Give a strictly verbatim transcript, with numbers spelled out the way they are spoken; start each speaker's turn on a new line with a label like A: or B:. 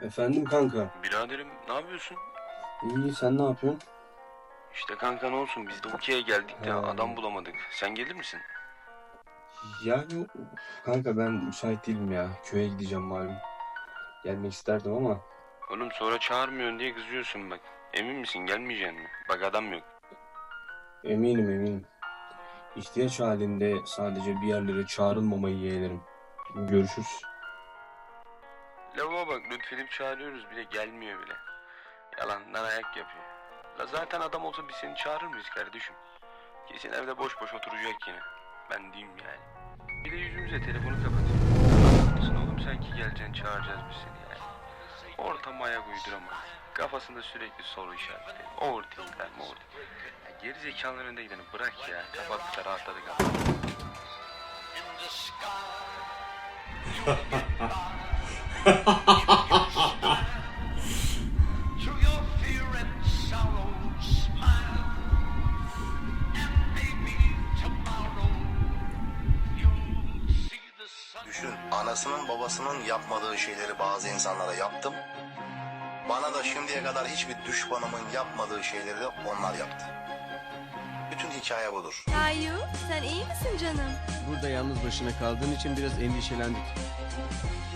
A: Efendim kanka.
B: Biraderim ne yapıyorsun?
A: İyi, sen ne yapıyorsun?
B: İşte kanka ne olsun biz de Uki'ye geldik de
A: Ha.
B: adam bulamadık. Sen gelir misin?
A: Yani kanka ben müsait değilim ya. Köye gideceğim malum. Gelmek isterdim ama
B: Oğlum sonra çağırmıyorsun diye kızıyorsun bak. Emin misin gelmeyeceksin mi? Bak adam yok.
A: eminim eminim. İhtiyaç halinde sadece bir yerlere çağrılmamayı yeğlerim. Görüşürüz.
B: Lavuğa bak lütfedip çağırıyoruz bile gelmiyor bile. Yalandan ayak yapıyor. La zaten adam olsa biz seni çağırır mıyız kardeşim? Kesin evde boş boş oturacak yine. Ben diyeyim yani. Bir de yüzümüze telefonu kapatıyor. Anlatsın oğlum sen ki geleceksin çağıracağız biz seni yani. Ortama ayak uyduramaz. Kafasında sürekli soru işaretleri. O ortalıklar mı ortalıklar. Ya geri zekaların önünde gideni bırak ya. Kapattık da rahatladık ama.
C: Through your fear and sorrow, smile, and maybe tomorrow you'll see the sun.
D: Düşün, anasının babasının yapmadığı şeyleri bazı insanlara yaptım. Bana da şimdiye kadar hiçbir düşmanımın yapmadığı şeyleri de onlar yaptı. Bütün hikaye budur.
E: Kayu, sen iyi misin canım?
F: Burada yalnız başına kaldığın için biraz endişelendik.